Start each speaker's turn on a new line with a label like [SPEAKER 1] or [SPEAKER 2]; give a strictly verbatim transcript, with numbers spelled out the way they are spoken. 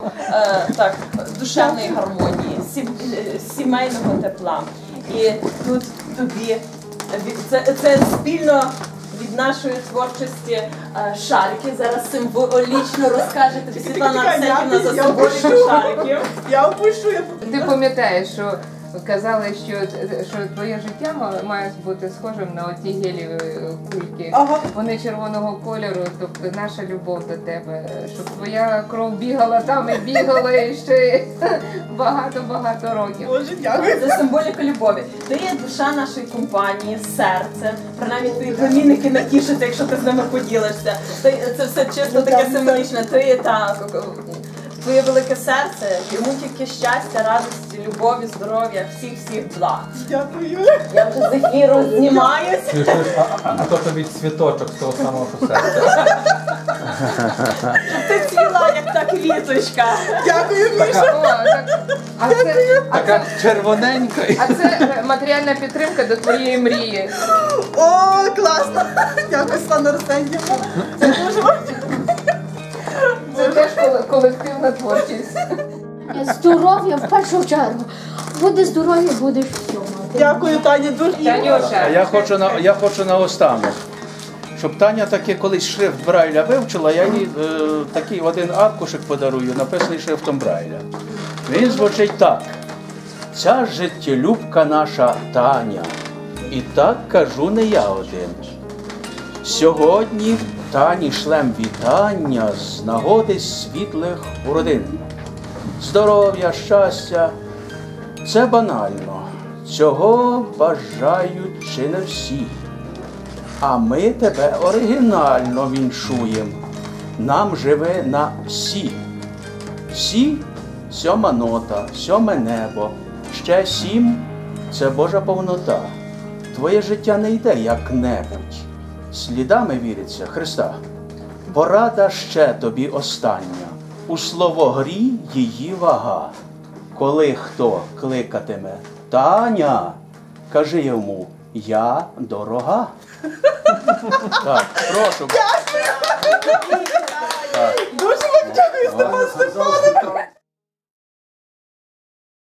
[SPEAKER 1] е, так, душевної гармонії, сім, сімейного тепла. І тут тобі це, це спільно від нашої творчості е, шарики. Зараз символічно розкаже тобі Світлана Арсенівна за символіку шариків.
[SPEAKER 2] Я опущу, я
[SPEAKER 3] Ти пам'ятаєш, що казали, що, що твоє життя має бути схожим на оті геліві кульки.
[SPEAKER 2] Ага.
[SPEAKER 3] Вони червоного кольору, тобто наша любов до тебе, щоб твоя кров бігала там і бігала і ще багато-багато років.
[SPEAKER 2] Боже, дякую.
[SPEAKER 1] Це символіка любові. Ти є душа нашої компанії, серце. Принаймні твої племінники натішаться, якщо ти з ними поділишся. Ти, це все чисто таке символічне. Ти є так. Твоє велике серце, йому тільки щастя, радості, любові, здоров'я, всіх-всіх благ.
[SPEAKER 2] Дякую.
[SPEAKER 1] Я вже з ефіру знімаюся.
[SPEAKER 4] А, а, а то тобі цвіточок з того самого що серця.
[SPEAKER 1] Ти цвіла, як та квіточка.
[SPEAKER 2] Дякую, Міша.
[SPEAKER 3] О, так, а, це, а,
[SPEAKER 4] Така
[SPEAKER 3] це,
[SPEAKER 4] червоненька.
[SPEAKER 3] а це матеріальна підтримка до твоєї мрії.
[SPEAKER 2] О, класно. Дякую, Світлана Арсенівна. Це дуже важливо.
[SPEAKER 3] Це теж коле- колективна творчість.
[SPEAKER 5] Здоров'я в першу чергу. Буде здоров'я, будеш всьому.
[SPEAKER 2] Дякую, Таня, дуже.
[SPEAKER 6] А
[SPEAKER 3] Танюша,
[SPEAKER 6] я хочу на я хочу наостанок, щоб Таня таки колись шрифт Брайля вивчила, я їй е, такий один аркушик подарую, написаний шрифтом Брайля. Він звучить так: ця життєлюбка наша Таня. І так кажу не я один. Сьогодні Тані шлем вітання з нагоди світлих уродин. Здоров'я, щастя – це банально. Цього бажають чи не всі. А ми тебе оригінально віншуєм. Нам живе на сі. Сі – сьома нота, сьоме небо. Ще сім – це Божа повнота. Твоє життя не йде як-небудь. Слідами віриться Христа. Порада ще тобі остання. У словогрі її вага. Коли хто кликатиме Таня, кажи йому: я дорога. Так, прошу.
[SPEAKER 2] Дуже вам дякую, Степан Степанович.